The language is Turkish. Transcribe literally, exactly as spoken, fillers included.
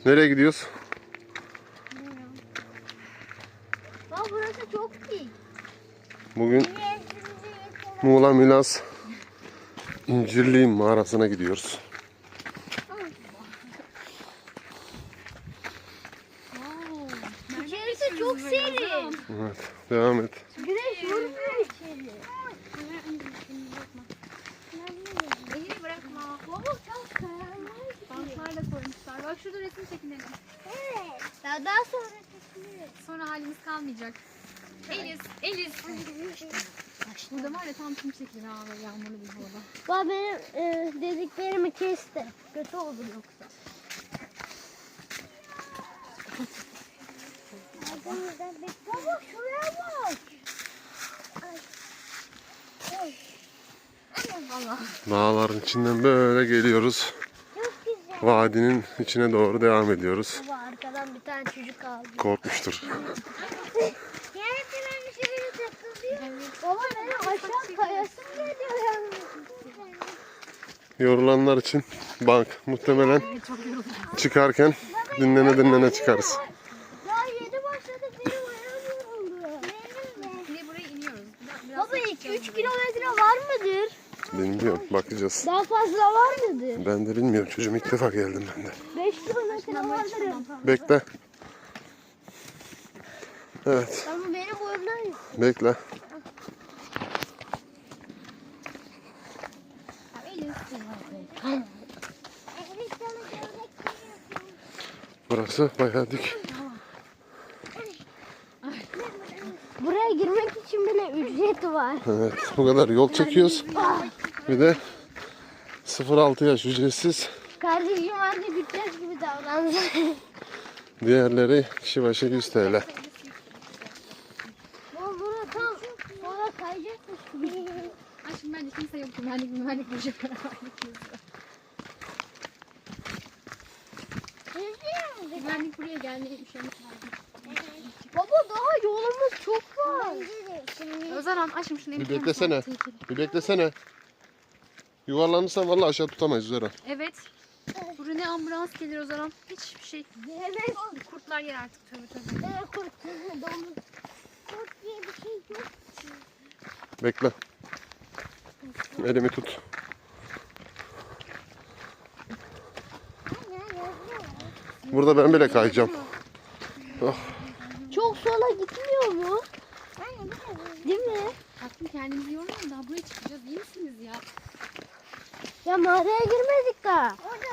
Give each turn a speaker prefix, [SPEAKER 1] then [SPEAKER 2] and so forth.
[SPEAKER 1] Nereye gidiyoruz?
[SPEAKER 2] Bak burası çok iyi.
[SPEAKER 1] Bugün Muğla Milas İncirli mağarasına gidiyoruz.
[SPEAKER 2] İçerisi çok serin.
[SPEAKER 1] Evet, devam et.
[SPEAKER 2] Güneş vurmuyor içeri.
[SPEAKER 3] Elini bırakma.
[SPEAKER 2] Baba çok karanlık.
[SPEAKER 3] Bantlarla koymuşlar. Bak şurada resim çekinelim.
[SPEAKER 2] Evet. Daha, daha sonra çekiliriz.
[SPEAKER 3] Sonra halimiz kalmayacak. Eliz, Eliz. Burada var ya tam kim çekilir ha böyle yağmurlu bir havada.
[SPEAKER 2] Baba benim e, dediklerimi kesti. Kötü olur yoksa. Baba şuraya bak.
[SPEAKER 3] Valla.
[SPEAKER 1] Dağların içinden böyle geliyoruz.
[SPEAKER 2] Çok güzel.
[SPEAKER 1] Vadinin içine doğru devam ediyoruz.
[SPEAKER 2] Baba arkadan bir tane çocuk aldı.
[SPEAKER 1] Korkmuştur.
[SPEAKER 2] Yani ben şöyle takılıyor. Baba benim aşağı kayasım geliyor yani.
[SPEAKER 1] Yorulanlar için bank muhtemelen çıkarken dinlene dinlene çıkarız.
[SPEAKER 2] Daha yeni başladık benim ayağım yoruldu. Benim de.
[SPEAKER 3] Şimdi buraya iniyoruz. Biraz, biraz
[SPEAKER 2] Baba iki üç kilometre var mıdır?
[SPEAKER 1] Bilmiyorum, bakacağız.
[SPEAKER 2] Daha fazla var mıdır?
[SPEAKER 1] Ben de bilmiyorum çocuğum, ilk defa geldim ben de.
[SPEAKER 2] beş kilometre vardır.
[SPEAKER 1] Bekle. Evet,
[SPEAKER 2] Ama benim boyumdan
[SPEAKER 1] bekle. Burası bayağı dik.
[SPEAKER 2] Buraya girmek için bile ücret var.
[SPEAKER 1] Evet, bu kadar yol çekiyoruz. Bir de sıfır altı yaş ücretsiz.
[SPEAKER 2] Kardeşim anne gideceğiz gibi davrandı.
[SPEAKER 1] Diğerleri kişi başı yüz T L.
[SPEAKER 2] Bu bura tam sonra kayacakmış gibi.
[SPEAKER 3] Ay şimdi bence kimse yok. Güvenlik güvenlik bir şey Güvenlik buraya gelmeye üşenmiş.
[SPEAKER 2] Baba daha yolumuz çok var.
[SPEAKER 3] Özaran aşkım şunu
[SPEAKER 1] Bir beklesene. Bir beklesene. Yuvarlanırsan vallahi aşağı tutamayız Zara.
[SPEAKER 3] Evet. Buraya ne ambulans gelir Özaran. Hiçbir şey.
[SPEAKER 2] Evet.
[SPEAKER 3] Kurtlar yer artık tövbe tövbe.
[SPEAKER 2] Evet kurt. Domuz. Kurt diye bir şey yok.
[SPEAKER 1] Bekle. Elimi tut. Burada ben bile kayacağım. Oh.
[SPEAKER 2] Çok sola gitmiyor mu? Değil mi?
[SPEAKER 3] Tatlım kendinizi yormayın daha buraya çıkacağız. İyi misiniz ya?
[SPEAKER 2] Ya mağaraya girmedik daha. Orada